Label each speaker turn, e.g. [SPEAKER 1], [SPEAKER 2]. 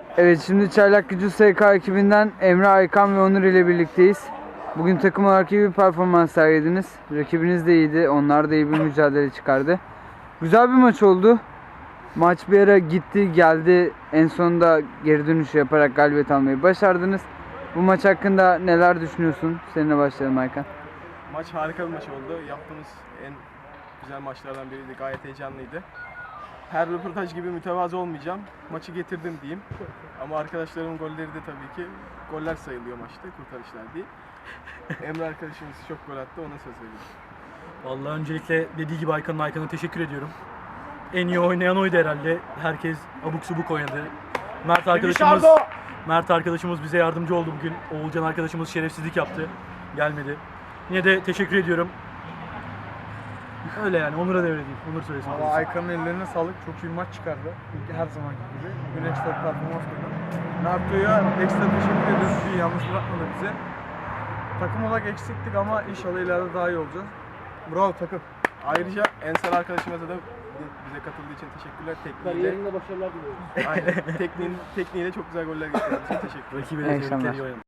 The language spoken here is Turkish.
[SPEAKER 1] Evet, şimdi Çaylakgücü SK ekibinden Emre, Aykan ve Onur ile birlikteyiz. Bugün takım olarak iyi bir performans sergilediniz. Rakibiniz de iyiydi. Onlar da iyi bir mücadele çıkardı. Güzel bir maç oldu. Maç bir ara gitti geldi. En sonunda geri dönüş yaparak galibiyet almayı başardınız. Bu maç hakkında neler düşünüyorsun? Seninle başlayalım Aykan.
[SPEAKER 2] Maç harika bir maç oldu. Yaptığımız en güzel maçlardan biriydi. Gayet heyecanlıydı. Her röportaj gibi mütevazı olmayacağım. Maçı getirdim diyeyim. Ama arkadaşlarımın golleri de tabii ki goller sayılıyor maçta, kurtarışlar değil. Emre arkadaşımız çok gol attı, ona söz veriyorum.
[SPEAKER 3] Vallahi öncelikle dediği gibi Aykan'a teşekkür ediyorum. En iyi oynayan oydu herhalde. Herkes abuk subuk oynadı. Mert arkadaşımız bize yardımcı oldu bugün. Oğulcan arkadaşımız şerefsizlik yaptı. Gelmedi. Yine de teşekkür ediyorum. Öyle yani, Onur'a devredeyim. Onur söylesin.
[SPEAKER 4] Valla Aykan'ın ellerine sağlık. Çok iyi bir maç çıkardı. Her zamanki gibi. Bugün ekstra bir performans koydu. Naruto'ya ekstra teşekkür ediyoruz. Bir yalnız bırakmadı bize. Takım olarak eksiktik ama inşallah ileride daha iyi olacağız. Bravo takım.
[SPEAKER 2] Ayrıca Ensar arkadaşımıza da bize katıldığı için teşekkürler.
[SPEAKER 3] Kariyerinde başarılar diliyorum.
[SPEAKER 2] Aynen. Tekniğiyle çok güzel goller getirdiğiniz için teşekkürler.
[SPEAKER 3] Rakibe
[SPEAKER 1] İyi
[SPEAKER 3] de
[SPEAKER 1] akşamlar.
[SPEAKER 3] tebrikler, iyi oynadı.